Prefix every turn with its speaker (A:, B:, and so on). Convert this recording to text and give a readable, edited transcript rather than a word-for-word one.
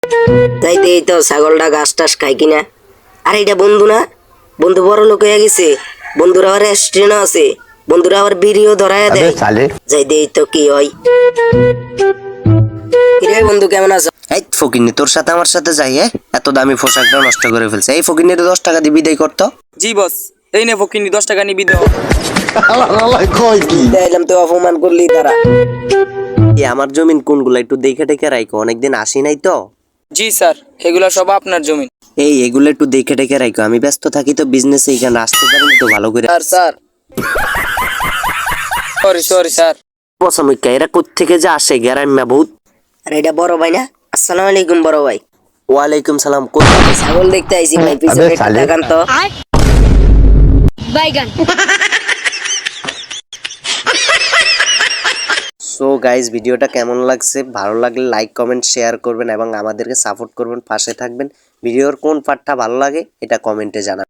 A: যাইতে এই তো ছাগলটা ঘাস টাস খাই কিনা। আর এটা বন্ধু না, বন্ধু বড় লোক হয়ে গেছে, বন্ধুরা আবার রেস্টুরেন্ট আছে, বন্ধুরা আবার বিড়িও ধরায় দেয়। যাইতে এই তো কি হয়। কিরে বন্ধু কেমন আছো?
B: এই ফকিন্নি, তোর সাথে আমার সাথে যাই এত দামি পোশাকটা নষ্ট করে ফেলছে। এই ফকিন্নি 10 টাকা দিয়ে বিদায় করতো।
C: জি বস, এই নে ফকিন্নি 10 টাকা নিবি দাও।
A: দেখলাম তো অপমান করলি তারা।
B: আমার জমিন কোনগুলা একটু দেখে টেকে রাখো, অনেকদিন আসি নাই তো।
C: জি স্যার, এগুলা সব আপনার জমি।
B: এগুলো একটু দেখে টেকে রাখো, আমি ব্যস্ত থাকি তো বিজনেসে, এইখানে আসতে পারি তো ভালো করে।
C: Sir sorry sir.
B: পছমিকা এরা কোত্থেকে যে আসে গ্যারাম্যা বহুত।
A: আর এটা বড় ভাই না? আসসালামু আলাইকুম বড় ভাই।
B: ওয়ালাইকুম সালাম।
A: ছাগল দেখতে আইছি ভাই, পিছনে একটু দেখান তো।
D: বাইগান।
B: সো গাইজ, ভিডিওটা কেমন লাগছে? ভালো লাগলে লাইক কমেন্ট শেয়ার করবেন এবং আমাদেরকে সাপোর্ট করবেন, পাশে থাকবেন। ভিডিওর কোন পার্টটা ভালো লাগে এটা কমেন্টে জানাবেন।